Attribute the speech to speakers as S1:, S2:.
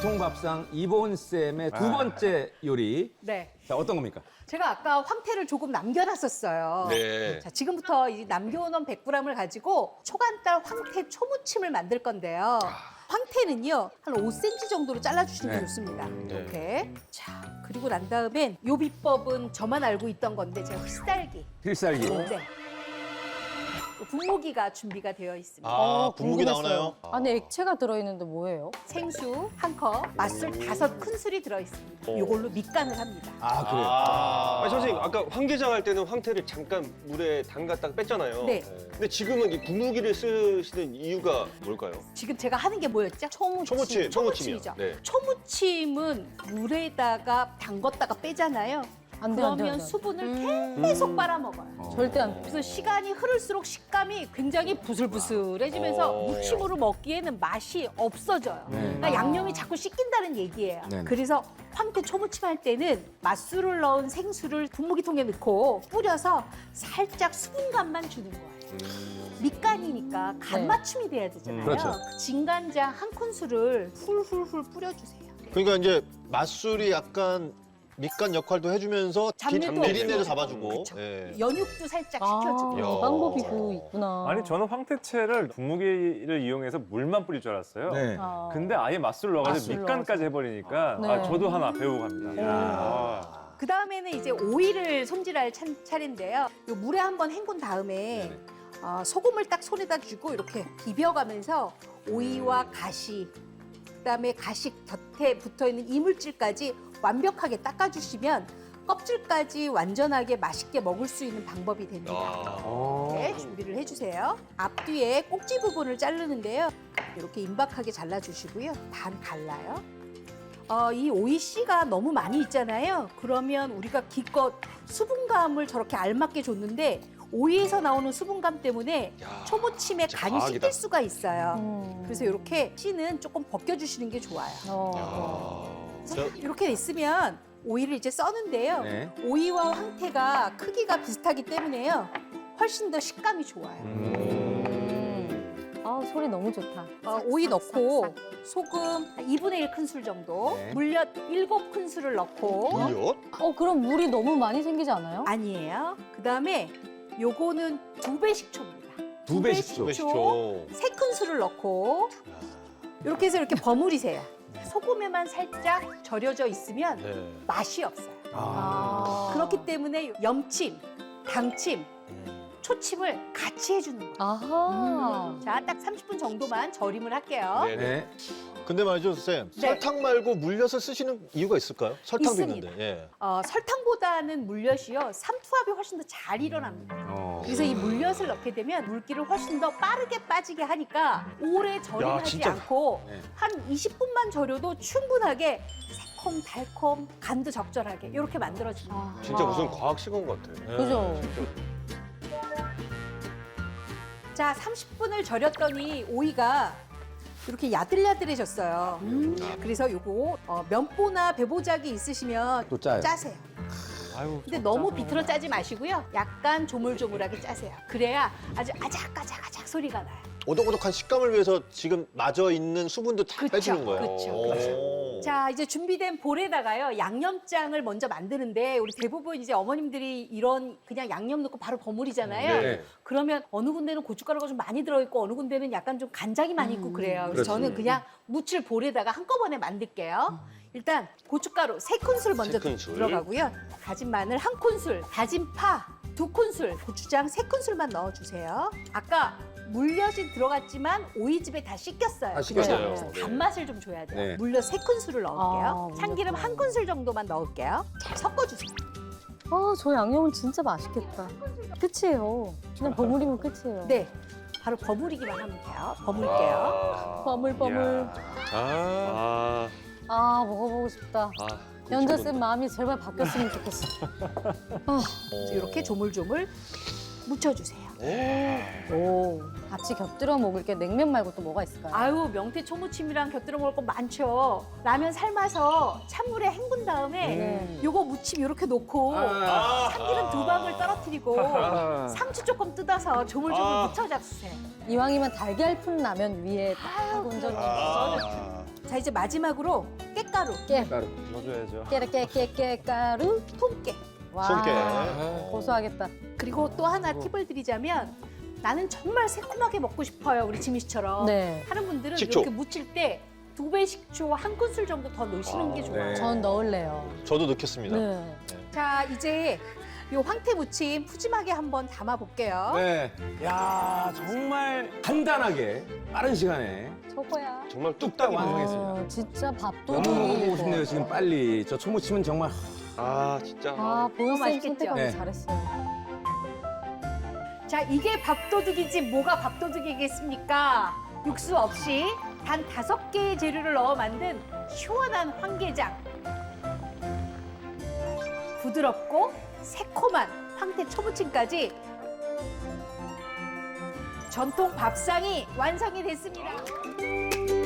S1: 전통밥상 이보은 쌤의 두 번째 요리.
S2: 네.
S1: 자, 어떤 겁니까?
S2: 제가 아까 황태를 조금 남겨놨었어요.
S3: 네.
S2: 자, 지금부터 이 남겨놓은 100g을 가지고 초간달 황태 초무침을 만들 건데요. 황태는요, 한 5cm 정도로 잘라주시는 게
S1: 네.
S2: 좋습니다.
S3: 네.
S2: 이렇게. 자, 그리고 난 다음엔 요 비법은 저만 알고 있던 건데, 제가 휘쌀기.
S1: 필살기.
S2: 네. 분무기가 준비가 되어 있습니다.
S3: 분무기
S4: 궁금했어요.
S3: 나오나요?
S4: 안에 액체가 들어있는데 뭐예요?
S2: 생수 1컵, 맛술 5큰술이 들어있습니다. 이걸로 밑간을 합니다.
S1: 아, 그래요?
S3: 아,
S5: 선생님 아까 황게장 할 때는 황태를 잠깐 물에 담갔다가 뺐잖아요.
S2: 네.
S5: 근데 지금은 이 분무기를 쓰시는 이유가 뭘까요?
S2: 지금 제가 하는 게 뭐였죠?
S5: 초무침,
S2: 초무침이죠.
S5: 네.
S2: 초무침은 물에다가 담궜다가 빼잖아요.
S4: 안 돼, 안 돼,
S2: 그러면
S4: 안 돼.
S2: 수분을 계속 빨아먹어요.
S4: 절대 안 돼.
S2: 그래서 시간이 흐를수록 식감이 굉장히 부슬부슬해지면서 무침으로 먹기에는 맛이 없어져요.
S1: 네.
S2: 그러니까 양념이 자꾸 씻긴다는 얘기예요.
S1: 네네.
S2: 그래서 황태 초무침 할 때는 맛술을 넣은 생수를 분무기통에 넣고 뿌려서 살짝 수분감만 주는 거예요. 밑간이니까 간
S4: 네.
S2: 맞춤이 돼야 되잖아요.
S1: 그렇죠.
S2: 그 진간장 한 큰술을 훌훌훌 뿌려주세요.
S3: 그러니까 이제 맛술이 약간 밑간 역할도 해주면서
S2: 잡내도
S3: 비린내도
S2: 없고.
S3: 잡아주고.
S2: 그렇죠.
S3: 예.
S2: 연육도 살짝
S4: 아,
S2: 시켜주고.
S3: 야.
S4: 방법이 그 있구나.
S6: 아니 저는 황태채를 분무기를 이용해서 물만 뿌릴 줄 알았어요.
S1: 네.
S4: 아.
S6: 근데 아예 맛술 넣어가지고
S4: 맛술
S6: 밑간까지 해버리니까
S4: 네.
S6: 아, 저도 하나 배우고 갑니다. 야.
S2: 그 다음에는 이제 오이를 손질할 차례인데요. 요 물에 한번 헹군 다음에
S1: 네네.
S2: 소금을 딱 손에다 쥐고 이렇게 비벼가면서 오이와 가시, 그다음에 가시 곁에 붙어있는 이물질까지 완벽하게 닦아주시면 껍질까지 완전하게 맛있게 먹을 수 있는 방법이 됩니다.
S3: 아.
S2: 네, 준비를 해주세요. 앞뒤에 꼭지 부분을 자르는데요. 이렇게 임박하게 잘라주시고요. 반 갈라요. 이 오이 씨가 너무 많이 있잖아요. 그러면 우리가 기껏 수분감을 저렇게 알맞게 줬는데 오이에서 나오는 수분감 때문에
S3: 야,
S2: 초무침에
S3: 진짜
S2: 간이
S3: 과학이다.
S2: 씹힐 수가 있어요. 그래서
S4: 그래서
S2: 이렇게 씨는 조금 벗겨주시는 게 좋아요. 그래서 이렇게 있으면 오이를 이제 써는데요.
S1: 네.
S2: 오이와 황태가 크기가 비슷하기 때문에요. 훨씬 더 식감이 좋아요.
S4: 아, 소리 너무 좋다.
S2: 오이 넣고 소금 2분의 1 큰술 정도,
S1: 네.
S2: 물엿 7큰술을 넣고
S3: 물엿?
S4: 그럼 물이 너무 많이 생기지 않아요?
S2: 아니에요. 그다음에 요거는 2배 식초입니다.
S1: 두 배 식초.
S3: 식초.
S2: 3큰술을 넣고 이렇게 해서 이렇게 버무리세요. 소금에만 살짝 절여져 있으면
S3: 네.
S2: 맛이 없어요.
S1: 아.
S2: 그렇기 때문에 염침, 당침, 초침을 같이 해주는 거예요.
S4: 아하.
S2: 자, 딱 30분 정도만 절임을 할게요.
S3: 네.
S1: 네.
S3: 근데 말이죠, 쌤.
S2: 네.
S3: 설탕 말고 물엿을 쓰시는 이유가 있을까요? 설탕도
S2: 있습니다.
S3: 있는데. 예.
S2: 설탕보다는 물엿이요, 삼투압이 훨씬 더 잘 일어납니다. 그래서 이 물엿을 넣게 되면 물기를 훨씬 더 빠르게 빠지게 하니까 오래 절임하지
S3: 진짜.
S2: 않고
S1: 네.
S2: 한 20분만 절여도 충분하게 새콤, 달콤, 간도 적절하게 이렇게 만들어집니다.
S5: 진짜 무슨 과학 시간 같아.
S3: 예.
S4: 그죠?
S2: 자, 30분을 절였더니 오이가 이렇게 야들야들해졌어요. 그래서 요거 면보나 배보자기 있으시면
S1: 또 짜요.
S2: 짜세요.
S6: 아유,
S2: 근데 너무 비틀어 짜지 마시고요. 약간 조물조물하게 짜세요. 그래야 아주 아작아작아작 소리가 나요.
S3: 오독오독한 식감을 위해서 지금 마저 있는 수분도 다
S2: 그쵸,
S3: 빼주는 거예요.
S2: 그쵸,
S3: 오.
S2: 자, 이제 준비된 볼에다가요, 양념장을 먼저 만드는데 우리 대부분 이제 어머님들이 이런 그냥 양념 넣고 바로 버무리잖아요.
S1: 네.
S2: 그러면 어느 군데는 고춧가루가 좀 많이 들어있고 어느 군데는 약간 좀 간장이 많이 있고 그래요. 그래서
S1: 그렇죠.
S2: 저는 그냥 무칠 볼에다가 한꺼번에 만들게요. 일단 고춧가루 3큰술 먼저
S5: 3큰술.
S2: 들어가고요. 다진 마늘 1큰술, 다진 파 2큰술, 고추장 3큰술만 넣어주세요. 아까 물엿이 들어갔지만 오이즙에 다 씻겼어요.
S1: 아, 씻겼어요.
S2: 그래서
S3: 네.
S2: 단맛을 좀 줘야 돼요.
S1: 네.
S2: 물엿 3큰술을 넣을게요.
S4: 아,
S2: 참기름
S4: 물엿.
S2: 1큰술 정도만 넣을게요. 잘 섞어주세요.
S4: 저 양념은 진짜 맛있겠다. 끝이에요. 그냥 버무리면 끝이에요.
S2: 네, 바로 버무리기만 하면 돼요. 버무릴게요.
S4: 버물버물.
S5: 아,
S4: 먹어보고 싶다.
S5: 아,
S4: 연자쌤 마음이 제발 바뀌었으면 좋겠어.
S2: 이렇게 조물조물 묻혀주세요.
S4: 같이 곁들여 먹을 게 냉면 말고 또 뭐가 있을까요?
S2: 아유, 명태 초무침이랑 곁들여 먹을 거 많죠. 라면 삶아서 찬물에 헹군 다음에
S4: 네.
S2: 요거 무침 이렇게 놓고 참기름 2방울 떨어뜨리고 상추 조금 뜯어서 조물조물 묻혀 잡수세요.
S4: 이왕이면 달걀 푼 라면 위에 딱 얹어.
S2: 자, 이제 마지막으로 깻가루,
S6: 넣어줘야죠.
S4: 깨가루.
S2: 통깨.
S4: 와.
S3: 손깨.
S4: 고소하겠다.
S2: 그리고 또 하나 팁을 드리자면 나는 정말 새콤하게 먹고 싶어요. 우리 지미 씨처럼.
S4: 네.
S2: 하는 분들은
S3: 식초.
S2: 이렇게 무칠 때 2배 식초 한 큰술 정도 더 넣으시는 게 좋아요.
S1: 네.
S4: 전 넣을래요.
S3: 저도 넣겠습니다.
S4: 네.
S2: 자, 이제 요 황태 무침 푸짐하게 한번 담아 볼게요.
S1: 네. 야, 정말 간단하게 빠른 시간에
S4: 저거야.
S5: 정말
S1: 뚝딱
S5: 뚝딱이네.
S1: 완성했습니다.
S4: 진짜 밥도
S1: 너무 먹어보고 싶네요, 지금 빨리. 저 초무침은 정말
S5: 아 진짜.
S4: 아, 보은쌤
S2: 맛있겠죠?
S4: 선택하기
S1: 네.
S4: 잘했어요.
S2: 자, 이게 밥도둑이지 뭐가 밥도둑이겠습니까? 육수 없이 단 5개의 재료를 넣어 만든 시원한 황게장. 부드럽고 새콤한 황태 초무침까지 전통 밥상이 완성이 됐습니다.